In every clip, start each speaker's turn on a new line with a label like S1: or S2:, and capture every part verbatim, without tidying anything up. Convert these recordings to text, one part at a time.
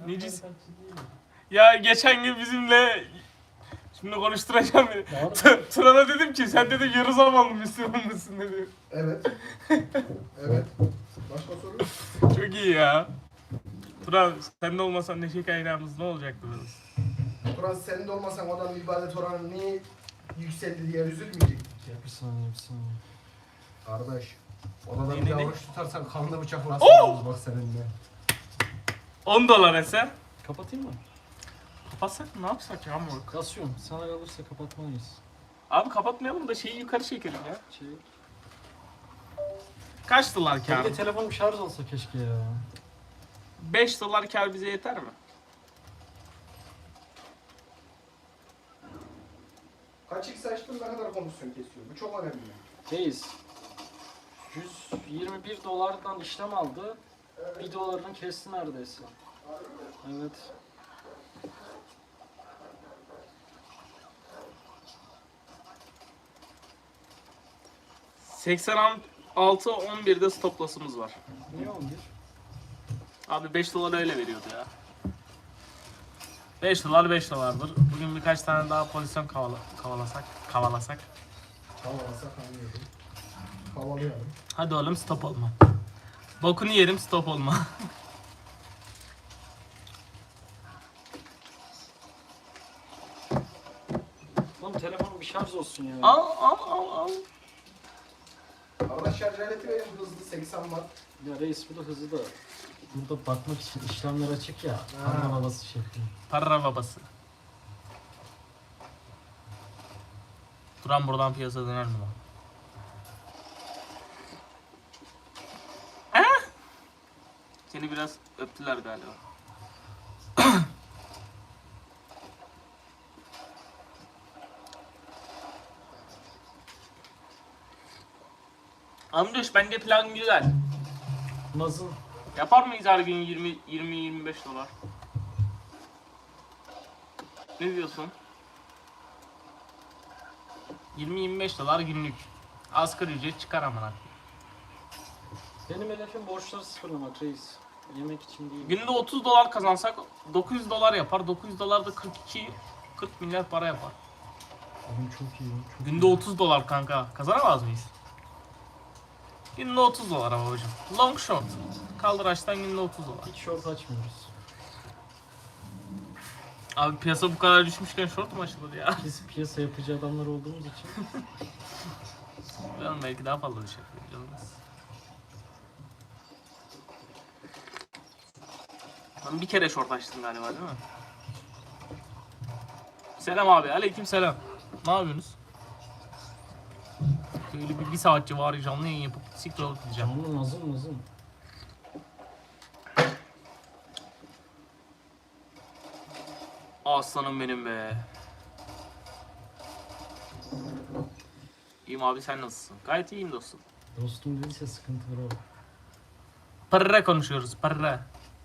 S1: Necisin? Ya geçen gün bizimle şimdi konuşturacağım beni. T- Turan'a dedim ki sen dedim yarı zamanlı Müslüman mısın dedi.
S2: Evet. Evet. Başka soru?
S1: Çok iyi ya. Turan sen de olmasan neşe kaynağımız ne olacaktı biz?
S2: Turan sen de olmasan odanın ibadet oranı niye yükseldi diye üzülmeyecektik ya.
S3: Bir saniye bir saniye.
S2: Kardeş. Odada
S1: Ne,
S2: bir
S1: ne,
S2: daha
S1: ne?
S2: oruç tutarsan kanlı bıçak nasıl
S1: Oo!
S2: olur bak seninle.
S1: on dolar eser.
S3: Kapatayım mı?
S1: Kapatsak mı ne yapsak ya moruk?
S3: Kasıyorum. Sana kalırsa kapatmalıyız.
S1: Abi kapatmayalım da şeyi yukarı çekelim ya.
S3: Şey...
S1: Kaç dolar
S3: Bir
S1: kar?
S3: de telefonum şarj olsa keşke ya.
S1: beş dolar kar bize yeter mi?
S2: Kaç x açtın ne kadar komisyon kesiyor? Bu çok önemli.
S3: Reis. yüz yirmi bir dolardan işlem aldı. bir dolarını kesti neredeyse. Evet.
S1: seksen altı on birde stop loss'umuz var.
S3: Niye on bir?
S1: Abi beş dolar öyle veriyordu ya. beş dolar beş dolardır. Bugün birkaç tane daha pozisyon kavala, kavalasak, kavalasak.
S2: Havalasak anlıyorum. Havalayalım.
S1: Hadi oğlum stop olma. Bokunu yerim stop olma.
S3: Oğlum telefonum bir şarj olsun ya.
S1: al al al al.
S2: Arada şarj aleti verin hızlı seksen watt.
S3: Ya reis bu da hızlı da. Burada bakmak için işlemler açık ya.
S2: Ha.
S3: Parmak havası şeklinde.
S1: Para babası. Duran buradan piyasa döner mi lan? Eh? Seni biraz öptüler galiba. Amduş bence plan güzel.
S3: Nasıl?
S1: Yapar mıyız her gün yirmi yirmi yirmi beş dolar? Ne diyorsun? yirmi yirmi beş dolar günlük. Asgari ücret çıkar amına.
S3: Benim hedefim borçları sıfırlamak reis. Yemek için değil.
S1: Günde otuz dolar kazansak dokuz yüz dolar yapar. dokuz yüz dolar da kırk iki kırk milyar para yapar.
S3: Oğlum çok iyi. Çok
S1: Günde
S3: iyi.
S1: otuz dolar kanka. Kazanamaz mıyız? Günde otuz dolar ama hocam. Long short. Kaldıraçtan günde otuz dolar.
S3: Hiç short açmıyoruz.
S1: Abi piyasa bu kadar düşmüşken short mu açılır ya?
S3: Biz piyasa yapıcı adamlar olduğumuz için.
S1: Ben belki daha fazla düşer. Ben bir kere short açtım galiba değil mi? Selam abi. Aleyküm selam. Ne yapıyorsunuz? Böyle bir, bir saatçi var canlı yayın yapıp siktir alıp gideceğim.
S3: Canlı nazım nazım.
S1: Aslanım benim be. İyiyim abi sen nasılsın? Gayet iyiyim dostum.
S3: Dostum değilse sıkıntı var abi.
S1: Parra konuşuyoruz parra.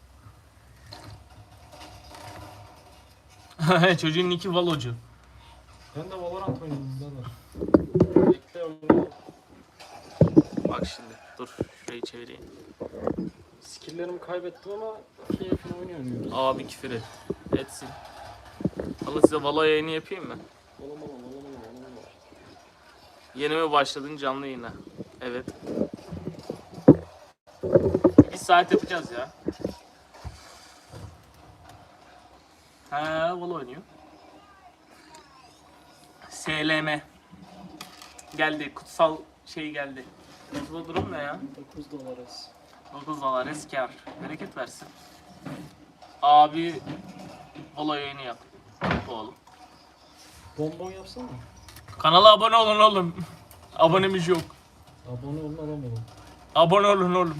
S1: Çocuğun nicki Valocu.
S3: Ben de Valorant oynadım birader. Bekle oynayalım.
S1: Bak şimdi dur şurayı çevireyim.
S3: Skill'lerimi kaybettim ama keyfini oynayamıyoruz.
S1: Abi küfür et. Etsin. Allah size Valo yayını yapayım mı?
S3: Olamam olamam olamam.
S1: Yeni mi başladın canlı yayına? Evet. Bir saat yapacağız ya. Ha, Valo oynuyor. S L M. Geldi, kutsal şey geldi. Kutsal durum ne ya?
S3: dokuz dolarız.
S1: dokuz dolar eskar. Bereket versin. Abi Valo yayını yap. Yap oğlum.
S3: Bonbon yapsana.
S1: Kanala abone olun oğlum. Abonemiz yok.
S3: Abone olun alamıyorum.
S1: Abone olun oğlum.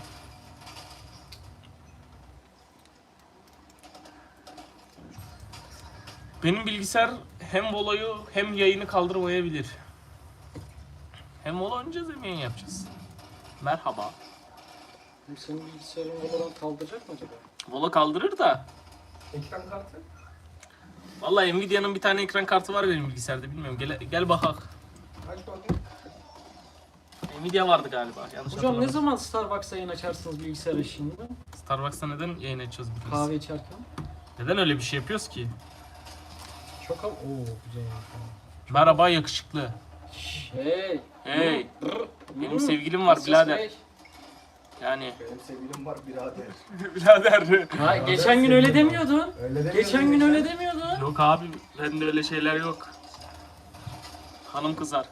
S1: Benim bilgisayar hem Volo'yu hem yayını kaldırmayabilir. Hem Volo oynayacağız hem yayın yapacağız. Merhaba.
S3: Hem senin bilgisayarın Valorant kaldıracak mı acaba?
S1: Volo kaldırır da.
S2: Ekran kartı.
S1: Vallahi Nvidia'nın bir tane ekran kartı var benim bilgisayarda bilmiyorum. Gel, gel bakak.
S2: Aç bakayım.
S1: Nvidia vardı galiba. Yanlış
S3: Hocam ne
S1: hatırlamıyorum.
S3: zaman Starbucks'a yayın açarsınız bilgisayar eşliğinde?
S1: Starbucks'ta neden yayın açacağız biliyorsun?
S3: Kahve içerken.
S1: Neden öyle bir şey yapıyoruz ki?
S3: Çok ama... Oo güzel.
S1: Merhaba yakışıklı.
S3: Hey.
S1: Hey.
S3: Brr.
S1: Benim
S3: Hmm.
S1: sevgilim var
S3: Nasıl
S1: birader.
S3: şey?
S1: Yani
S2: Benim sevgilim var birader.
S1: birader.
S3: Ha, geçen gün öyle demiyordun.
S2: Öyle demiyorum.
S3: Geçen gün öyle demiyordun.
S1: Yok abi bende öyle şeyler yok. Hanım kızar.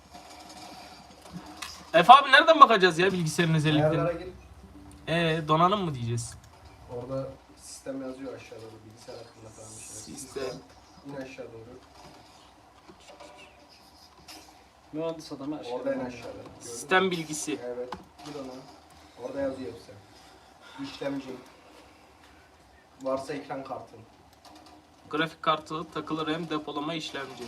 S1: Efe abi nereden bakacağız ya bilgisayarın özelliklerine?
S2: Ayarlara gir.
S1: Ee donanım mı diyeceğiz?
S2: Orada sistem yazıyor aşağıda doğru. Bilgisayar hakkında falan bir şeyler.
S1: Sistem.
S2: İn aşağı doğru.
S3: Mühendis adam her şey.
S2: Orada en aşağıda. Gördün mü?
S1: Sistem bilgisi.
S2: Evet. Gir ona. Orada yazıyor hepsi. İşlemci. Varsa ekran kartın.
S1: Grafik kartı, takılı RAM, depolama, işlemci.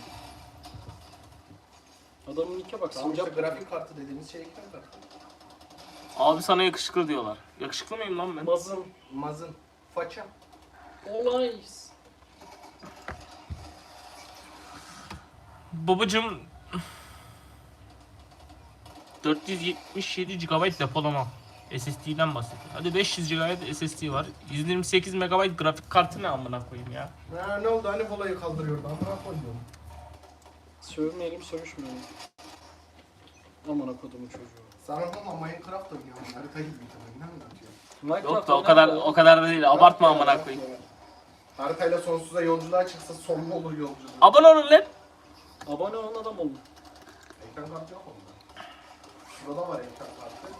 S3: Adamın nike bak.
S2: Tamam işte
S3: Sincap.
S2: grafik kartı dediğimiz şey ekran kartı.
S1: Abi sana yakışıklı diyorlar. Yakışıklı mıyım lan ben?
S3: Mazın.
S2: Mazın. Faça.
S3: Olay.
S1: Babacım dört yüz yetmiş yedi gigabayt depolama. S S D'den bahsediyor. Hadi beş yüz gigabayt S S D var. yüz yirmi sekiz megabayt grafik kartı ne amına koyayım ya.
S2: Ha, ne oldu hani kolayı kaldırıyordu amına koyuyorum.
S3: Sövmeyelim sövüşmeyelim. Aman kodumun çocuğu.
S2: Sana ama Minecraft oynuyorum. Harita gibi bir tane. Ne anlatıyor?
S3: Minecraft
S1: Yok da o kadar o kadar da değil. Abartma
S2: Yok ya,
S1: amına
S2: yok
S1: koyayım.
S2: ya. Haritayla sonsuza yolculuğa çıksa sonlu olur yolculuğu.
S1: Abone olun lan.
S3: Abone olan adam oldu.
S2: Ekran kartı yok onda. Şurada var ekran kartı.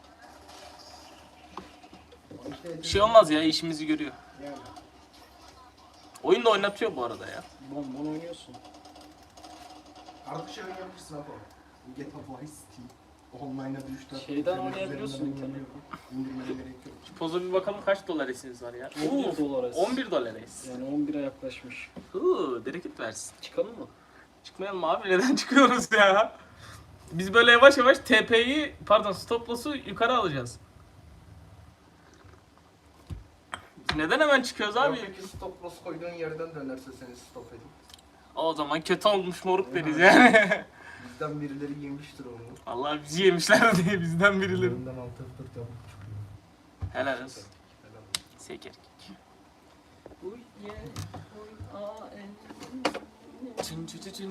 S2: O işte
S1: Bir şey olmaz ya işimizi görüyor.
S2: Yani.
S1: Oyun da oynatıyor bu arada ya.
S3: Bon bon oynuyorsun.
S2: Artık şey oynayabilirsin abi. Get a Vice City. Online'a düştü.
S3: Şeyden oynayabiliyorsun internetten.
S2: İndirmene gerek yok.
S1: Şu poza bir bakalım kaç dolar esiniz var ya.
S3: on bir dolar es.
S1: on bir dolar es.
S3: Yani on bire yaklaşmış.
S1: Hıı bereket versin.
S3: Çıkalım mı?
S1: Çıkmayalım abi neden çıkıyoruz ya? Biz böyle yavaş yavaş T P'yi pardon stop loss'u yukarı alacağız. Biz neden hemen çıkıyoruz abi?
S2: Abi peki stop loss koyduğun yerden dönerse seni stop edin.
S1: O zaman kötü olmuş moruk deriz yani.
S2: Bizden birileri yemiştir onu.
S1: Allah bizi yemişler diye bizden birileri.
S2: Önünden altı dört yapıp çıkıyor.
S1: Helal olsun.
S2: Helal.
S1: Seker.
S3: Uy ye. Uy a en.
S1: Çın çın çın çın.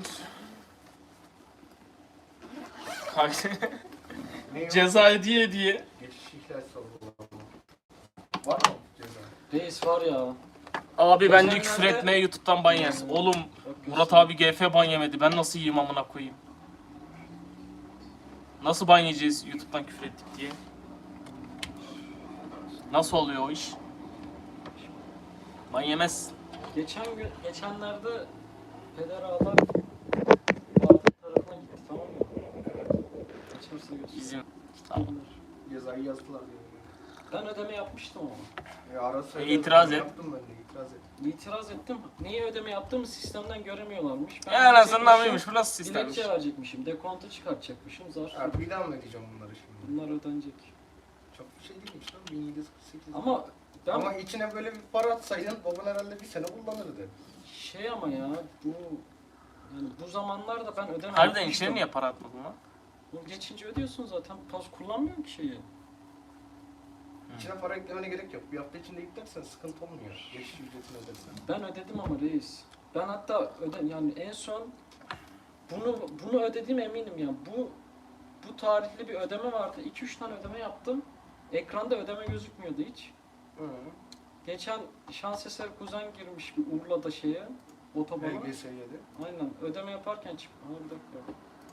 S1: Kaç-
S2: Ne
S1: Ceza diye diye.
S2: Geçiş ihlal sorgulama. Var mı ceza?
S3: Reis var ya.
S1: Abi bence
S3: Geçenlerde-
S1: küfür etmeye YouTube'dan ban yersin. Oğlum
S3: Bak,
S1: Murat abi G F ban yemedi. Ben nasıl yiyeyim amına koyayım? Nasıl ban yiyeceğiz YouTube'dan küfür ettik diye? Nasıl oluyor o iş? Ban yemez.
S3: Geçen gün, geçenlerde Peder Ağlar Fatih tarafına gitti tamam mı? Açarsa götür.
S1: İzin. Tamam.
S2: Cezayı yazdılar diyor.
S3: Ben ödeme yapmıştım ama.
S2: Ya ara sıra
S1: E, itiraz et.
S2: Yaptım ben de itiraz et.
S3: İtiraz ettim. Niye ödeme yaptığımı sistemden göremiyorlarmış. Ben
S1: Ya anasının
S3: verecekmişim,
S1: amıymış. Bu nasıl sistemmiş?
S3: Dilekçe verecekmişim. Dekontu çıkartacakmışım. Zar.
S2: Abi bir daha mı ödeyeceğim bunları şimdi?
S3: Bunlar ödenecek.
S2: Çok bir şey değilmiş lan bin yedi yüz kırk sekiz.
S3: Ama ben
S2: Ama içine böyle bir para atsaydın baban herhalde bir sene kullanırdı.
S3: şey ama ya bu yani bu zamanlarda ben ödeme
S1: Harbiden
S3: yapmıştım.
S1: içine niye para atmadın lan?
S3: Bu geçince ödüyorsun zaten. Pas kullanmıyorum ki şeyi.
S2: İçine para eklemene gerek yok. Bir hafta içinde yüklersen sıkıntı olmuyor. Geçiş ücretini ödersen.
S3: Ben ödedim ama reis. Ben hatta öde yani en son bunu bunu ödediğim eminim ya. Bu bu tarihli bir ödeme vardı. iki üç tane ödeme yaptım. Ekranda ödeme gözükmüyordu hiç.
S2: Hı.
S3: Geçen şans eseri kuzen girmiş bir Urla'da şeye otobana.
S2: B G S yedi.
S3: Aynen ödeme yaparken çıktı. Ha bir dakika.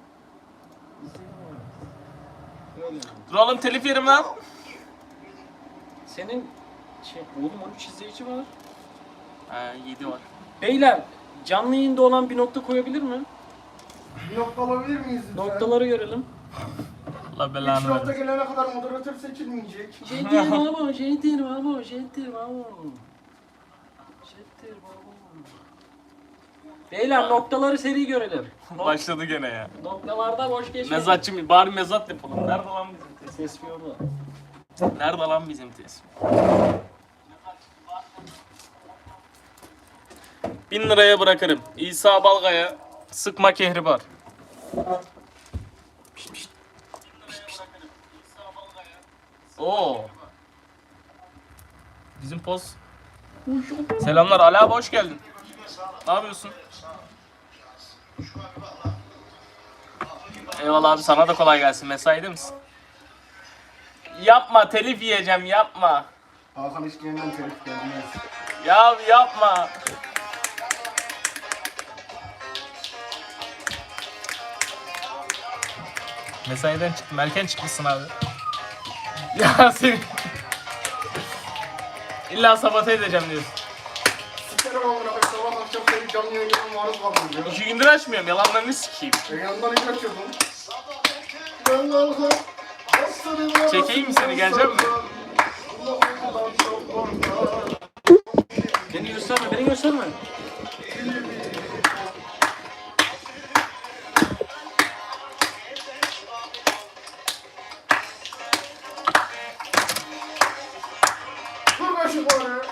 S3: Öyle yani.
S1: Dur oğlum telif yerim lan.
S3: Senin şey, oğlum on üç izleyici var.
S1: Ha yedi var.
S3: Beyler canlı yayında olan bir nokta koyabilir mi?
S2: Bir nokta alabilir miyiz lütfen?
S3: Noktaları görelim.
S1: Allah
S2: Üç
S1: belanı
S2: nokta
S1: versin.
S2: gelene kadar moderatör seçilmeyecek.
S3: Jettir baba, jettir baba, jettir baba. Jettir baba. Beyler noktaları seri görelim. Nok-
S1: Başladı gene ya.
S3: Noktalarda boş geçmeyin.
S1: Mezatçı bari mezat yapalım. Nerede lan bizim tespih?
S3: Ses bir orada.
S1: Nerede lan bizim tespih? Bin liraya bırakırım. İsa Balga'ya sıkma kehribar. Pişt, pişt. Pişt, pişt. Oo. Bizim poz Selamlar Ali abi, hoş geldin. Ne yapıyorsun? Eyvallah abi, sana da kolay gelsin. Mesaide misin? Yapma, telif yiyeceğim, yapma.
S2: Hakan işlerinden telif gelmez.
S1: Ya yapma. Mesaiden çıktım. Erken çıkmışsın abi. Ya seni... İlla sabote edeceğim diyorsun.
S2: Sikerim amına koyayım, sabah akşam senin canlı yayınına maruz kaldım ya.
S1: İki gündür açmıyorum. Yalanlarını sikeyim.
S2: E yandan hiç açıyordun. Ben kalkar.
S1: Çekeyim mi seni? Gelecek mi?
S3: Beni gösterme, beni gösterme.
S2: Dur kaşı bari.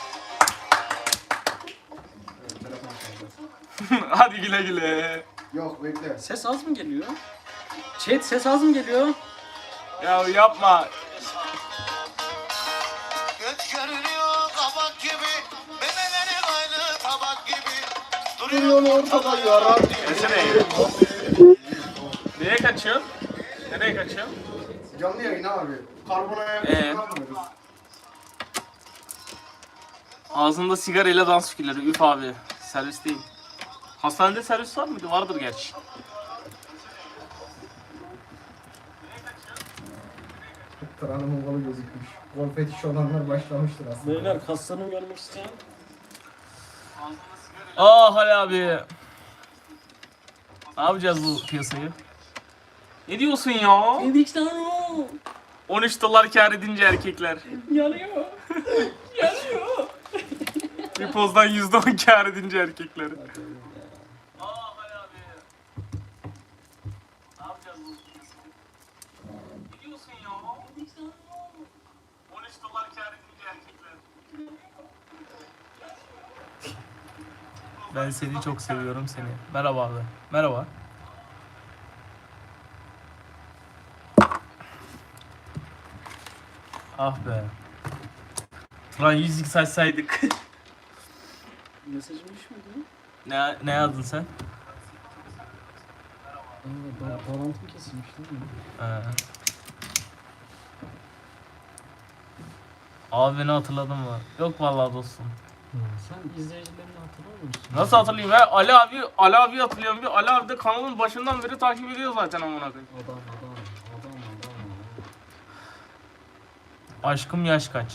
S1: Hadi güle güle.
S2: Yok bekle.
S3: Ses az mı geliyor? Chat ses az mı geliyor?
S1: Ya yapma.
S4: Göz görünüyor kabak gibi, memeleri aynı tabak gibi.
S2: Duruyor ortada yara.
S1: Nesine? Nereye kaçıyorsun? Nereye kaçıyorsun?
S2: Canlı yayın abi. Karbonaya
S1: Ee?
S2: yapmıyoruz.
S1: Ağzında sigarayla dans fikirleri. Üf abi. Servis değil. Hastanede servis var mıydı? Vardır gerçi.
S2: Kranımın kolu gözükmüş. Gol fetiş olanlar başlamıştır aslında.
S3: Beyler kaslarını görmek isteyen.
S1: Ah Ali abi. Ne yapacağız bu piyasayı? Ne diyorsun ya?
S3: Dedik sana.
S1: on üç dolar kâr edince erkekler.
S3: Yanıyor. Yanıyor.
S1: Bir pozdan yüzde on kâr edince erkekler. Ah Ali abi. Ne yapacağız bu piyasayı? Ne diyorsun ya? on üç dolar kâr edince erkekler. Ben seni çok seviyorum seni. Merhaba abi. Merhaba. Ah be. Lan yüz x açsaydık.
S3: Mesajım düşmedi.
S1: ne, ne yazdın sen?
S3: Aa, ba bağlantım kesilmiş değil mi?
S1: He. Abi beni hatırladın mı? Yok vallahi dostum.
S3: Sen izleyicilerini hatırlamıyor musun?
S1: Nasıl hatırlayayım ya? Ali abi, Ali abi hatırlıyorum. Bir Ali abi de kanalın başından beri takip ediyor zaten amına koyayım.
S3: Adam adam adam adam.
S1: Aşkım yaş kaç?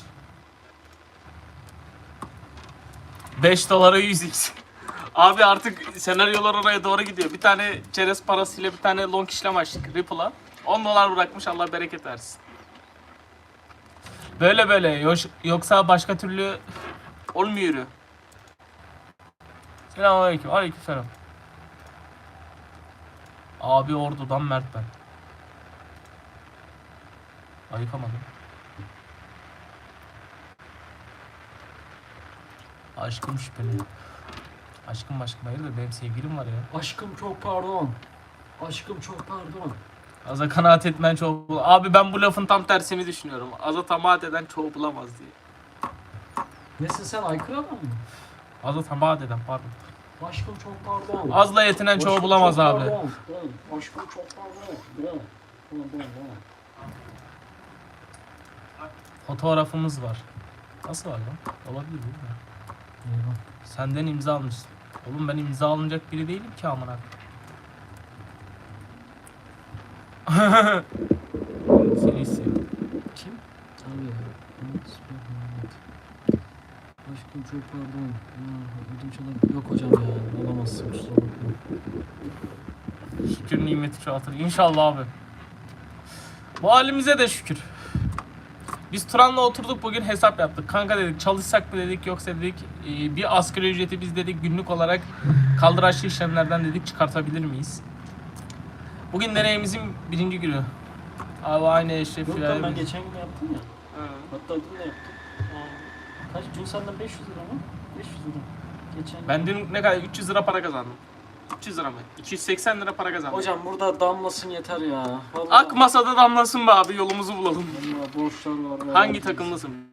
S1: beş dolara yüz x. Abi artık senaryolar oraya doğru gidiyor. Bir tane çerez parasıyla bir tane long işlem açtık Ripple'a. on dolar bırakmış, Allah bereket versin. Böyle böyle Yoş- yoksa başka türlü olmuyor. Selamünaleyküm. Aleykümselam. Abi Ordu'dan Mert ben. Ayıkamadım. Aşkım şüpheli. Aşkım aşkım hayırdır, benim sevgilim var ya.
S3: Aşkım çok pardon. Aşkım çok pardon.
S1: Aza kanaat etmen çoğu bul- Abi ben bu lafın tam tersini düşünüyorum. Aza tamaat eden çoğu bulamaz diye.
S3: Nesin sen aykırı adam mı?
S1: Aza tamaat eden pardon.
S3: Aşkım çok pardon.
S1: Azla yetinen çoğu
S3: Aşkım
S1: bulamaz
S3: çok
S1: abi.
S3: pardon. Dön. Aşkım çok pardon. Dön. Dön dön dön.
S1: Fotoğrafımız var. Nasıl var lan? Olabilir değil mi?
S3: Eyvah.
S1: Senden imza almışsın. Oğlum ben imza alınacak biri değilim ki amına. Seni istiyorum.
S3: Kim? Abi. Aşkım çok pardon. Ya, ödünç olabilir. Yok hocam ya. Olamazsın. Kusura bakma.
S1: Şükür nimeti çoğaltır. İnşallah abi. Bu halimize de şükür. Biz Turan'la oturduk bugün, hesap yaptık. Kanka dedik, çalışsak mı dedik, yoksa dedik e, bir asgari ücreti biz dedik günlük olarak kaldıraçlı işlemlerden dedik çıkartabilir miyiz? Bugün deneyimizin birinci günü. Abi aynı Eşref
S3: Yok
S1: ya.
S3: lan ben geçen gün yaptım ya.
S1: Hı.
S3: Hatta dün de yaptım. Aa, kaç? Dün senden beş yüz lira mı? beş yüz lira. Geçen gün.
S1: Ben dün ne kadar üç yüz lira para kazandım. üç yüz lira mı? iki yüz seksen lira para kazandım.
S3: Hocam burada damlasın yeter ya. Vallahi,
S1: Ak masada damlasın be abi, yolumuzu bulalım.
S3: vallahi borçlar var.
S1: Hangi takımlısın?